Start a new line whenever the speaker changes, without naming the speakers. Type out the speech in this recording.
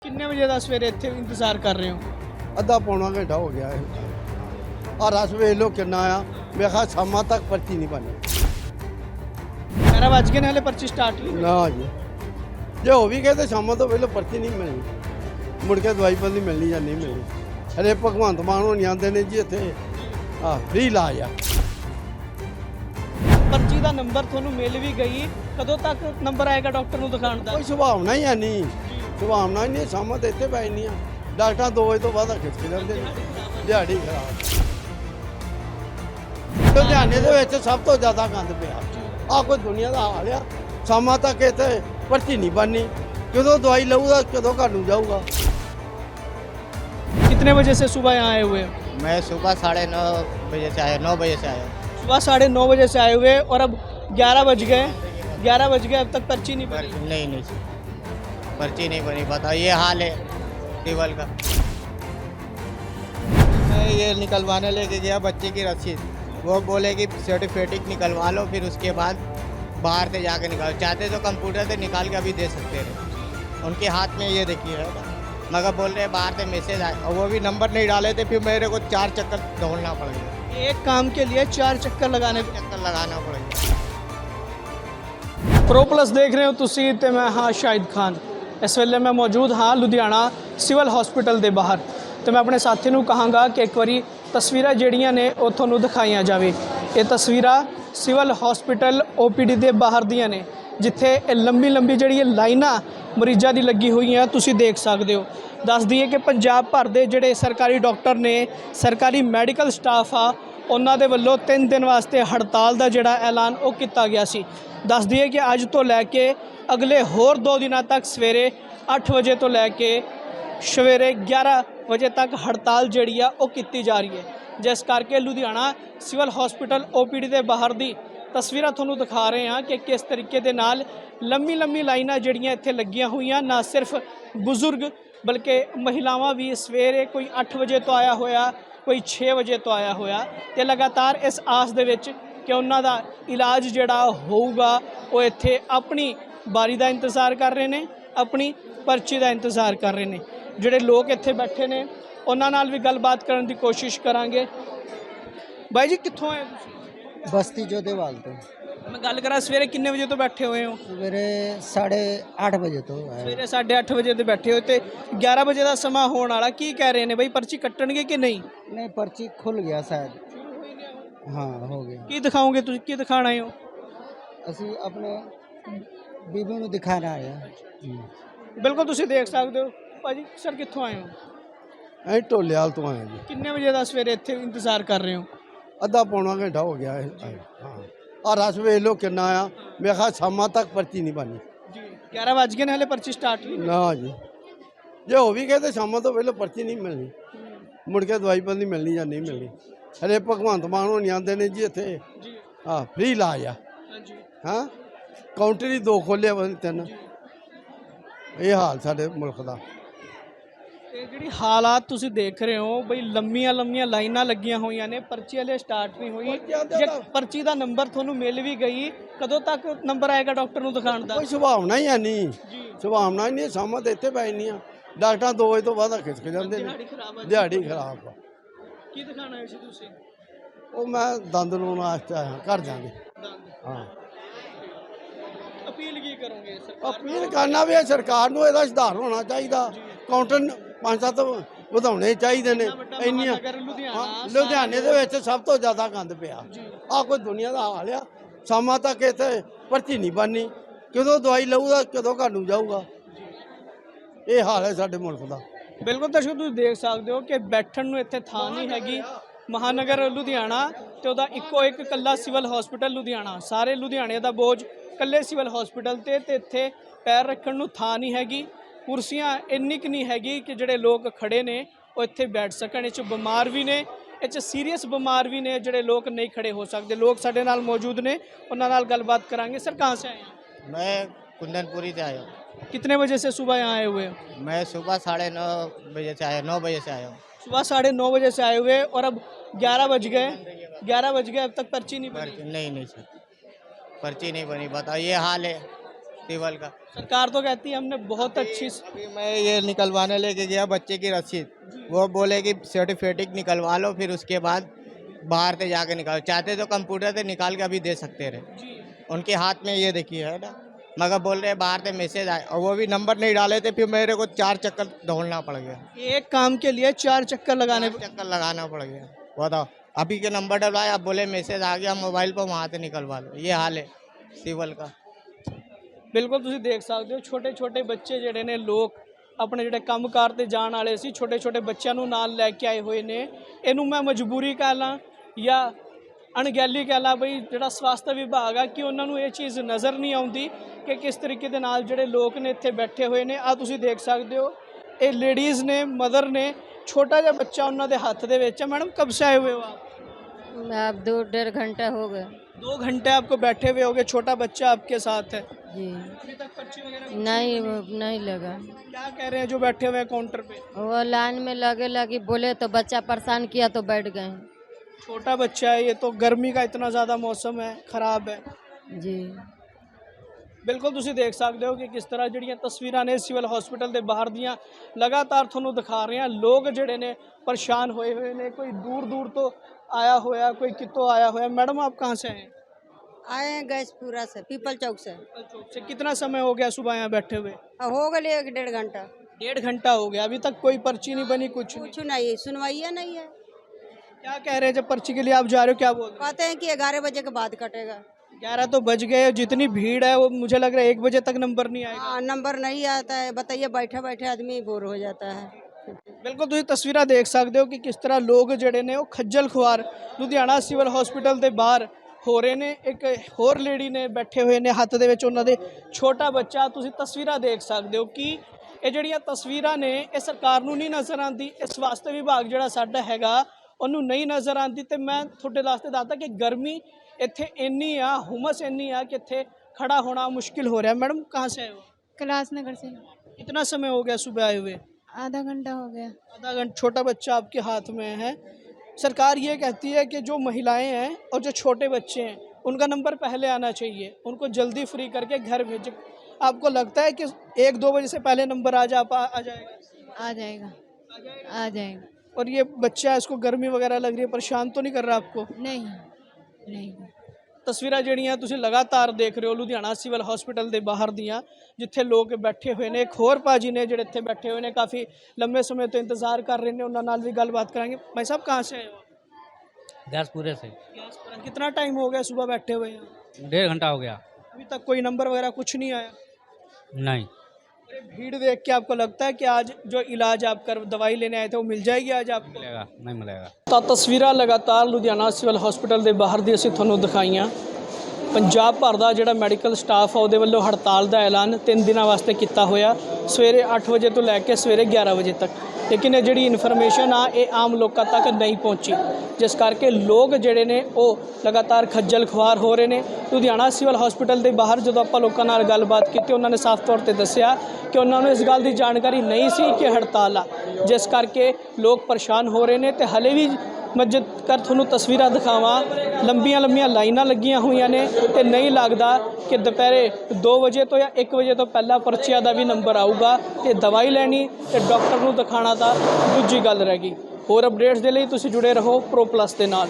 कितने बजे का सवेरे इत्थे इंतजार कर रहे हो?
अद्धा पौना घंटा हो गया है और रस वेख लो किन्ना आ मेरे ख्याल शामां तक पर्ची नहीं बनी
11 बज गए ने हले पर्ची स्टार्ट नहीं
ना जी जे हो भी गए तो शामां तो पहले पर्ची नहीं मिलनी मुड़ के दवाई बंदी मिलनी या नहीं मिलनी अरे भगवंत मान होनी आते ने जी इत्थे फ्री इलाज आ
पर्ची का नंबर ਤੁਹਾਨੂੰ ਮਿਲ ਵੀ ਗਈ ਕਦੋਂ ਤੱਕ ਨੰਬਰ ਆਏਗਾ ਡਾਕਟਰ ਨੂੰ ਦਿਖਾਉਣ ਦਾ?
कोई सुभावना ही है नहीं सुभावना ही नहीं शामां तो इत्थे पै नहीं डॉक्टर 2 बजे तो बाद खिच के लेंदे दिहाड़ी खराब ਲੁਧਿਆਣੇ ਦੇ ਵਿੱਚ ਸਭ ਤੋਂ ਜ਼ਿਆਦਾ ਗੰਦ ਪਿਆ ਆ ਕੋਈ ਦੁਨੀਆ ਦਾ ਹਾਲ ਆ ਸ਼ਾਮਾਂ ਤੱਕ ਇੱਥੇ ਪਰਚੀ ਨਹੀਂ ਬਣਨੀ ਕਦੋਂ ਦਵਾਈ ਲਊਗਾ ਕਦੋਂ ਘਰ ਨੂੰ ਜਾਊਗਾ
कितने बजे से सुबह यहाँ आए हुए हो?
मैं सुबह 9:30 बजे से आया 9 बजे से आया
सुबह 9:30 बजे से आए हुए और अब 11 बज गए 11 बज गए अब तक पर्ची नहीं बनी।
नहीं पर्ची नहीं बनी बताओ ये हाल है सिविल का। मैं ये निकलवाने लेके गया बच्चे की रसीद वो बोले कि सर्टिफिकेट निकलवा लो फिर उसके बाद बाहर से जाके निकालो चाहते तो कंप्यूटर से निकाल के अभी दे सकते थे उनके हाथ में ये देखिए मगर बोल रहे बाहर से मैसेज आए और वो भी नंबर नहीं डाले थे फिर मेरे को 4 चक्कर दौड़ना पड़ेगा
एक काम के लिए 4 चक्कर लगाने
चक्कर लगाना पड़ेगा।
प्रो प्लस देख रहे हो तुसी ते मैं हाँ शाहिद खान इस वेले मैं मौजूद हाँ लुधियाना सिविल हॉस्पिटल के बाहर तो मैं अपने साथी ਨੂੰ ਕਹਾਂਗਾ ਕਿ ਇੱਕ ਵਾਰੀ ਤਸਵੀਰਾਂ ਜਿਹੜੀਆਂ ਨੇ ਉਹ ਤੁਹਾਨੂੰ ਦਿਖਾਈਆਂ ਜਾਵੇ। ਇਹ ਤਸਵੀਰਾਂ ਸਿਵਲ ਹਸਪੀਟਲ OPD ਦੇ ਬਾਹਰ ਦੀਆਂ ਨੇ ਜਿੱਥੇ ਇਹ ਲੰਬੀ ਜਿਹੜੀ ਲਾਈਨਾਂ ਮਰੀਜ਼ਾਂ ਦੀ ਲੱਗੀ ਹੋਈਆਂ ਤੁਸੀਂ ਦੇਖ ਸਕਦੇ ਹੋ। ਦੱਸ ਦਈਏ ਕਿ ਪੰਜਾਬ ਭਰ ਦੇ ਜਿਹੜੇ ਸਰਕਾਰੀ ਡਾਕਟਰ ਨੇ ਸਰਕਾਰੀ ਮੈਡੀਕਲ ਸਟਾਫ ਆ ਉਹਨਾਂ ਦੇ ਵੱਲੋਂ 3 ਦਿਨ ਵਾਸਤੇ ਹੜਤਾਲ ਦਾ ਜਿਹੜਾ ਐਲਾਨ ਉਹ ਕੀਤਾ ਗਿਆ ਸੀ। ਦੱਸ ਦਈਏ ਕਿ ਅੱਜ ਤੋਂ ਲੈ ਕੇ ਅਗਲੇ ਹੋਰ 2 ਦਿਨਾਂ ਤੱਕ ਸਵੇਰੇ 8 ਵਜੇ ਤੋਂ ਲੈ ਕੇ ਸਵੇਰੇ 11 ਵਜੇ ਤੱਕ ਹੜਤਾਲ ਜਿਹੜੀ ਆ ਉਹ ਕੀਤੀ ਜਾ ਰਹੀ ਹੈ ਜਿਸ ਕਰਕੇ ਲੁਧਿਆਣਾ ਸਿਵਲ ਹਸਪੀਟਲ OPD ਦੇ ਬਾਹਰ ਦੀ ਤਸਵੀਰਾਂ ਤੁਹਾਨੂੰ ਦਿਖਾ ਰਹੇ ਹਾਂ ਕਿ ਕਿਸ ਤਰੀਕੇ ਦੇ ਨਾਲ ਲੰਮੀ ਲਾਈਨਾਂ ਜਿਹੜੀਆਂ ਇੱਥੇ ਲੱਗੀਆਂ ਹੋਈਆਂ ਨਾ ਸਿਰਫ ਬਜ਼ੁਰਗ ਬਲਕਿ ਮਹਿਲਾਵਾਂ ਵੀ ਸਵੇਰੇ ਕੋਈ 8 ਵਜੇ ਤੋਂ ਆਇਆ ਹੋਇਆ ਕੋਈ 6 ਵਜੇ ਤੋਂ ਆਇਆ ਹੋਇਆ ਤੇ ਲਗਾਤਾਰ ਇਸ ਆਸ ਦੇ ਵਿੱਚ ਕਿ ਉਹਨਾਂ ਦਾ ਇਲਾਜ ਜਿਹੜਾ ਹੋਊਗਾ ਉਹ ਇੱਥੇ ਆਪਣੀ ਬਾਰੀ ਦਾ ਇੰਤਜ਼ਾਰ ਕਰ ਰਹੇ ਨੇ ਆਪਣੀ ਪਰਚੀ ਦਾ ਇੰਤਜ਼ਾਰ ਕਰ ਰਹੇ ਨੇ। ਜਿਹੜੇ ਲੋਕ ਇੱਥੇ ਬੈਠੇ ਨੇ ਉਹਨਾਂ ਨਾਲ ਵੀ ਗੱਲਬਾਤ ਕਰਨ ਦੀ ਕੋਸ਼ਿਸ਼ ਕਰਾਂਗੇ। ਬਾਈ ਜੀ ਕਿੱਥੋਂ ਆਏ ਤੁਸੀਂ?
बस्ती जोधेवाल तो
मैं गल करा सवेरे किन्ने बजे तो बैठे हुए हो?
सवेरे 8:30 बजे तो है।
सवेरे 8:30 बजे तो बैठे हो तो 11 बजे का समा होने वाला की कह रहे हैं भाई पर्ची कट्टणगे कि नहीं?
नहीं पर्ची खुल गया शायद हाँ हो गया।
की दिखाओगे तुम की दिखाना है?
ਅਸੀਂ अपने बीबी ਨੂੰ दिखाना आया।
बिल्कुल तुम देख सकते हो भाजी सर कितों आए हो?
ਅਸੀਂ ਢੋਲੇਵਾਲ ਤੋਂ ਆਏ ਜੀ
किन्ने बजे का सवेरे इत्थे इंतजार कर रहे हो?
ਅੱਧਾ ਪੌਣਾ ਘੰਟਾ ਹੋ ਗਿਆ ਹੈ ਹਾਂ और रस वेख लो किन्ना आ मेरे ख्याल शामां तक पर्ची नहीं बनी
जी 11 बज गए ने हले पर्ची स्टार्ट नहीं
ना जी जे हो भी गए तो शामां तो पहले पर्ची नहीं मिलनी मुड़ के दवाई बंदी मिलनी या नहीं मिलनी अरे भगवंत मान होनी आते ने जी इत्थे
जी
फ्री इलाज आ
हाँ जी
हाँ काउंटर ही 2 खोले 3 ये हाल साडे मुल्क दा
ਇਹ ਜਿਹੜੀ ਹਾਲਾਤ ਤੁਸੀਂ ਦੇਖ ਰਹੇ ਹੋ ਬਈ ਲੰਮੀਆਂ ਲਾਈਨਾਂ ਲੱਗੀਆਂ ਹੋਈਆਂ ਨੇ ਪਰਚੀ ਹਲੇ ਸਟਾਰਟ ਨਹੀਂ ਹੋਈ ਜੇ ਪਰਚੀ ਦਾ ਨੰਬਰ ਤੁਹਾਨੂੰ ਮਿਲ ਵੀ ਗਈ ਕਦੋਂ ਤੱਕ ਨੰਬਰ ਆਏਗਾ ਡਾਕਟਰ ਨੂੰ ਦਿਖਾਉਣ ਦਾ?
ਕੋਈ ਸੁਭਾਵਨਾ ਹੀ ਹੈ ਨਹੀਂ
ਜੀ
ਸੁਭਾਵਨਾ ਹੀ ਨਹੀਂ ਸ਼ਾਮਾਂ ਤੇ ਇੱਥੇ ਪੈ ਨਹੀਂ ਡਾਕਟਰ 2 ਵਜੇ ਤੋਂ ਬਾਅਦ ਖਿੱਚ ਕੇ ਜਾਂਦੇ ਨੇ
ਦਿਹਾੜੀ ਖਰਾਬ ਆ
ਦਿਹਾੜੀ ਖਰਾਬ ਆ
ਕੀ ਦਿਖਾਣਾ ਹੈ ਸੀ ਤੁਸੀਂ?
ਉਹ ਮੈਂ ਦੰਦ ਲਾਉਣ ਵਾਸਤੇ ਆਇਆ ਘਰ ਜਾਗੇ
ਦੰਦ
ਹਾਂ
ਅਪੀਲ ਕੀ ਕਰੋਗੇ ਸਰਕਾਰ
ਅਪੀਲ ਕਰਨਾ ਵੀ ਸਰਕਾਰ ਨੂੰ ਇਹਦਾ ਸੁਧਾਰ ਹੋਣਾ ਚਾਹੀਦਾ ਕਾਊਂਟਰ 5-7 ਵਧਾਉਣੇ ਚਾਹੀਦੇ ਨੇ ਇੰਨੀਆਂ ਲੁਧਿਆਣੇ ਦੇ ਵਿੱਚ ਸਭ ਤੋਂ ਜ਼ਿਆਦਾ ਗੰਦ ਪਿਆ ਆ ਕੋਈ ਦੁਨੀਆ ਦਾ ਹਾਲ ਆ ਸ਼ਾਮਾਂ ਤੱਕ ਇੱਥੇ ਪਰਚੀ ਨਹੀਂ ਬਣਨੀ ਕਦੋਂ ਦਵਾਈ ਲਊਗਾ ਕਦੋਂ ਘਰ ਨੂੰ ਜਾਊਗਾ ਇਹ ਹਾਲ ਹੈ ਸਾਡੇ ਮੁਲਕ ਦਾ।
ਬਿਲਕੁਲ ਦਰਸ਼ਕ ਤੁਸੀਂ ਦੇਖ ਸਕਦੇ ਹੋ ਕਿ ਬੈਠਣ ਨੂੰ ਇੱਥੇ ਥਾਂ ਨਹੀਂ ਹੈਗੀ। ਮਹਾਨਗਰ ਲੁਧਿਆਣਾ ਤੇ ਉਹਦਾ ਇੱਕੋ ਇੱਕ ਇਕੱਲਾ ਸਿਵਲ ਹਸਪੀਟਲ ਲੁਧਿਆਣਾ ਸਾਰੇ ਲੁਧਿਆਣੇ ਦਾ ਬੋਝ ਇਕੱਲੇ ਸਿਵਲ ਹਸਪੀਟਲ ਤੇ ਇੱਥੇ ਪੈਰ ਰੱਖਣ ਨੂੰ ਥਾਂ ਨਹੀਂ ਹੈਗੀ। ਕੁਰਸੀਆਂ ਇੰਨੀ ਕੁ ਨਹੀਂ ਹੈਗੀ ਕਿ ਜਿਹੜੇ ਲੋਕ ਖੜੇ ਨੇ ਉਹ ਇੱਥੇ ਬੈਠ ਸਕਣ। ਇਹ 'ਚ ਬਿਮਾਰ ਵੀ ਨੇ ਇਹ 'ਚ ਸੀਰੀਅਸ ਬਿਮਾਰ ਵੀ ਨੇ ਜਿਹੜੇ ਲੋਕ ਨਹੀਂ ਖੜੇ ਹੋ ਸਕਦੇ। ਲੋਕ ਸਾਡੇ ਨਾਲ ਮੌਜੂਦ ਨੇ ਉਹਨਾਂ ਨਾਲ ਗੱਲਬਾत ਕਰਾਂਗੇ। सर कहाँ से आए हैं?
मैं कुंदनपुरी से आया हूँ।
कितने बजे से सुबह यहाँ आए हुए हो?
मैं सुबह 9:30 बजे से आया 9 बजे से आया हूँ।
सुबह 9:30 बजे से आए हुए और अब 11 बज गए 11 बज गए अब तक पर्ची नहीं बनी।
नहीं सर पर्ची नहीं बनी बताओ ये हाल है सिविल का।
सरकार तो कहती है हमने बहुत अच्छी
अभी मैं ये निकलवाने लेके गया बच्चे की रसीद, वो बोले कि सर्टिफिकेट निकलवा लो फिर उसके बाद बाहर से जाके निकालो, चाहते तो कंप्यूटर से निकाल के अभी दे सकते रहे। उनके हाथ में ये देखिए है ना, मगर बोल रहे बाहर से मैसेज आए और वो भी नंबर नहीं डाले थे, फिर मेरे को 4 चक्कर दौड़ना पड़ गया,
एक काम के लिए 4 चक्कर लगाने
4 चक्कर लगाना पड़ गया। बताओ, अभी के नंबर डलवाए, अब बोले मैसेज आ गया मोबाइल पर, वहाँ से निकलवा लो। ये हाल है सिविल का।
ਬਿਲਕੁਲ ਤੁਸੀਂ ਦੇਖ ਸਕਦੇ ਹੋ ਛੋਟੇ ਛੋਟੇ ਬੱਚੇ ਜਿਹੜੇ ਨੇ ਲੋਕ ਆਪਣੇ ਜਿਹੜੇ ਕੰਮਕਾਰ ਤੇ ਜਾਣ ਵਾਲੇ ਸੀ ਛੋਟੇ ਛੋਟੇ ਬੱਚਿਆਂ ਨੂੰ ਨਾਲ ਲੈ ਕੇ ਆਏ ਹੋਏ ਨੇ। ਇਹਨੂੰ ਮੈਂ ਮਜਬੂਰੀ ਕਹਿ ਲਾਂ ਜਾਂ ਅਣਗਹਿਲੀ ਕਹਿ ਲਾਂ ਬਈ ਜਿਹੜਾ ਸਵਾਸਥ ਵਿਭਾਗ ਆ ਕਿ ਉਹਨਾਂ ਨੂੰ ਇਹ ਚੀਜ਼ ਨਜ਼ਰ ਨਹੀਂ ਆਉਂਦੀ ਕਿ ਕਿਸ ਤਰੀਕੇ ਦੇ ਨਾਲ ਜਿਹੜੇ ਲੋਕ ਨੇ ਇੱਥੇ ਬੈਠੇ ਹੋਏ ਨੇ। ਆ ਤੁਸੀਂ ਦੇਖ ਸਕਦੇ ਹੋ ਇਹ ਲੇਡੀਜ਼ ਨੇ, ਮਦਰ ਨੇ, ਛੋਟਾ ਜਿਹਾ ਬੱਚਾ ਉਹਨਾਂ ਦੇ ਹੱਥ ਦੇ ਵਿੱਚ ਹੈ। ਮੈਡਮ ਕਬ ਸੇ ਆਏ हुए हो आप?
अब 2-1.5 घंटा हो गया
2 घंटे आपको बैठे हुए होगे, छोटा बच्चा आपके साथ है,
जी।
अभी तक पर्ची वगैरह
नहीं लगा।
क्या कह रहे हैं जो बैठे हुए हैं काउंटर पे?
वो लाइन में लगे बोले तो बच्चा परेशान किया तो बैठ गए।
छोटा बच्चा है, ये तो गर्मी का इतना ज़्यादा मौसम है, ख़राब है
जी।
बिल्कुल ਤੁਸੀਂ देख सकते हो कि किस तरह ਜਿਹੜੀਆਂ ਤਸਵੀਰਾਂ ਨੇ ਸਿਵਲ ਹਸਪੀਟਲ ਦੇ ਬਾਹਰ ਦੀਆਂ ਲਗਾਤਾਰ ਤੁਹਾਨੂੰ ਦਿਖਾ ਰਹੇ ਹਾਂ। ਲੋਕ ਜਿਹੜੇ ਨੇ ਪਰੇਸ਼ਾਨ ਹੋਏ ਹੋਏ ਨੇ, ਕੋਈ दूर दूर तो आया होया, कोई कितों आया होया। मैडम आप कहाँ से आए?
आए हैं गैसपुरा से, पीपल चौक से।
से कितना समय हो गया सुबह यहाँ बैठे हुए?
हो गए 1-1.5 घंटा।
1.5 घंटा हो गया, अभी तक कोई पर्ची नहीं बनी, कुछ नहीं।
कुछ नहीं, सुनवाइया नहीं है।
क्या कह रहे हैं जब पर्ची के लिए आप जा रहे हो, क्या बोल रहे
कहते हैं कि 11 बजे के बाद कटेगा।
हैं? 11 तो बज गए, जितनी भीड़ है वो मुझे लग रहा है 1 बजे तक नंबर नहीं आएगा।
हाँ, नंबर नहीं आता है, बताइए, बैठे बैठे आदमी बोर हो जाता है।
ਬਿਲਕੁਲ ਤੁਸੀਂ ਤਸਵੀਰਾਂ ਦੇਖ ਸਕਦੇ ਹੋ ਕਿ ਕਿਸ ਤਰ੍ਹਾਂ ਲੋਕ ਜਿਹੜੇ ਨੇ ਉਹ ਖੱਜਲ ਖੁਆਰ ਲੁਧਿਆਣਾ ਸਿਵਲ ਹਸਪੀਟਲ ਦੇ ਬਾਹਰ ਹੋ ਰਹੇ ਨੇ। ਇੱਕ ਹੋਰ ਲੇਡੀ ਨੇ ਬੈਠੇ ਹੋਏ ਨੇ, ਹੱਥ ਦੇ ਵਿੱਚ ਉਹਨਾਂ ਦੇ ਛੋਟਾ ਬੱਚਾ। ਤੁਸੀਂ ਤਸਵੀਰਾਂ ਦੇਖ ਸਕਦੇ ਹੋ ਕਿ ਇਹ ਜਿਹੜੀਆਂ ਤਸਵੀਰਾਂ ਨੇ ਇਹ ਸਰਕਾਰ ਨੂੰ ਨਹੀਂ ਨਜ਼ਰ ਆਉਂਦੀ, ਇਹ ਸਵਾਸਥ ਵਿਭਾਗ ਜਿਹੜਾ ਸਾਡਾ ਹੈਗਾ ਉਹਨੂੰ ਨਹੀਂ ਨਜ਼ਰ ਆਉਂਦੀ। ਤੇ ਮੈਂ ਤੁਹਾਡੇ ਵਾਸਤੇ ਦੱਸਦਾ ਕਿ ਗਰਮੀ ਇੱਥੇ ਇੰਨੀ ਆ, ਹੁਮਸ ਇੰਨੀ ਆ ਕਿ ਇੱਥੇ ਖੜਾ ਹੋਣਾ ਮੁਸ਼ਕਿਲ ਹੋ ਰਿਹਾ। मैडम कहाँ से आए हो?
कैलाश नगर से।
कितना समय हो गया सुबह आए हुए?
आधा घंटा हो गया।
आधा घंटा। छोटा बच्चा आपके हाथ में है। सरकार ये कहती है कि जो महिलाएं हैं और जो छोटे बच्चे हैं उनका नंबर पहले आना चाहिए, उनको जल्दी फ्री करके घर भेजें। आपको लगता है कि 1-2 बजे से पहले नंबर आ जाएगा?
आ जाएगा।
और ये बच्चा इसको गर्मी वगैरह लग रही है, परेशान तो नहीं कर रहा आपको?
नहीं।
ਤਸਵੀਰਾਂ ਜਿਹੜੀਆਂ ਤੁਸੀਂ ਲਗਾਤਾਰ ਦੇਖ ਰਹੇ ਹੋ ਲੁਧਿਆਣਾ ਸਿਵਲ ਹਸਪੀਟਲ ਦੇ ਬਾਹਰ ਦੀਆਂ, ਜਿੱਥੇ ਲੋਕ ਬੈਠੇ ਹੋਏ ਨੇ। ਇੱਕ ਹੋਰ ਭਾਜੀ ਨੇ ਜਿਹੜੇ ਇੱਥੇ ਬੈਠੇ ਹੋਏ ਨੇ, ਕਾਫੀ ਲੰਬੇ ਸਮੇਂ ਤੋਂ ਇੰਤਜ਼ਾਰ ਕਰ ਰਹੇ ਨੇ, ਉਹਨਾਂ ਨਾਲ ਵੀ ਗੱਲਬਾਤ ਕਰਾਂਗੇ। भाई साहब कहाँ से आए हो?
गैसपुरे से।
कितना टाइम हो गया सुबह बैठे हुए हैं?
1.5 घंटा हो गया।
अभी तक कोई नंबर वगैरह कुछ नहीं आया?
नहीं।
अरे भीड़ देख के आपको लगता है कि आज जो इलाज आप कर दवाई लेने आए थे वो मिल जाएगी आज आपको?
मिलेगा नहीं मिलेगा।
ਤਾਂ ਤਸਵੀਰਾਂ ਲਗਾਤਾਰ ਲੁਧਿਆਣਾ ਸਿਵਲ ਹਸਪੀਟਲ ਦੇ ਬਾਹਰ ਦੀ ਅਸੀਂ ਤੁਹਾਨੂੰ ਦਿਖਾਈਆਂ। ਪੰਜਾਬ ਭਰ ਦਾ ਜਿਹੜਾ ਮੈਡੀਕਲ ਸਟਾਫ ਆ ਉਹਦੇ ਵੱਲੋਂ ਹੜਤਾਲ ਦਾ ਐਲਾਨ 3 ਦਿਨਾਂ ਵਾਸਤੇ ਕੀਤਾ ਹੋਇਆ, ਸਵੇਰੇ 8 ਵਜੇ ਤੋਂ ਲੈ ਕੇ ਸਵੇਰੇ 11 ਵਜੇ ਤੱਕ। ਲੇਕਿਨ ਇਹ ਜਿਹੜੀ ਇਨਫੋਰਮੇਸ਼ਨ ਆ ਇਹ ਆਮ ਲੋਕਾਂ ਤੱਕ ਨਹੀਂ ਪਹੁੰਚੀ, ਜਿਸ ਕਰਕੇ ਲੋਕ ਜਿਹੜੇ ਨੇ ਉਹ ਲਗਾਤਾਰ ਖੱਜਲ ਖੁਆਰ ਹੋ ਰਹੇ ਨੇ। ਲੁਧਿਆਣਾ ਸਿਵਲ ਹਸਪੀਟਲ ਦੇ ਬਾਹਰ ਜਦੋਂ ਆਪਾਂ ਲੋਕਾਂ ਨਾਲ ਗੱਲਬਾਤ ਕੀਤੀ, ਉਹਨਾਂ ਨੇ ਸਾਫ਼ ਤੌਰ ਤੇ ਦੱਸਿਆ ਕਿ ਉਹਨਾਂ ਨੂੰ ਇਸ ਗੱਲ ਦੀ ਜਾਣਕਾਰੀ ਨਹੀਂ ਸੀ ਕਿ ਹੜਤਾਲ ਆ, ਜਿਸ ਕਰਕੇ ਲੋਕ ਪਰੇਸ਼ਾਨ ਹੋ ਰਹੇ ਨੇ। ਤੇ ਹਲੇ ਵੀ ਮੈਂ ਜੇਕਰ ਤੁਹਾਨੂੰ ਤਸਵੀਰਾਂ ਦਿਖਾਵਾਂ, ਲੰਬੀਆਂ ਲਾਈਨਾਂ ਲੱਗੀਆਂ ਹੋਈਆਂ ਨੇ ਤੇ ਨਹੀਂ ਲੱਗਦਾ ਕਿ ਦੁਪਹਿਰੇ 2 ਵਜੇ ਤੋਂ ਜਾਂ 1 ਵਜੇ ਤੋਂ ਪਹਿਲਾਂ ਪਰਚੀਆਂ ਦਾ ਵੀ ਨੰਬਰ ਆਊਗਾ ਤੇ ਦਵਾਈ ਲੈਣੀ ਤੇ ਡਾਕਟਰ ਨੂੰ ਦਿਖਾਣਾ ਤਾਂ ਦੂਜੀ ਗੱਲ ਰਹਿ ਗਈ। ਹੋਰ ਅਪਡੇਟਸ ਦੇ ਲਈ ਤੁਸੀਂ ਜੁੜੇ ਰਹੋ ਪ੍ਰੋ ਪਲੱਸ ਦੇ ਨਾਲ।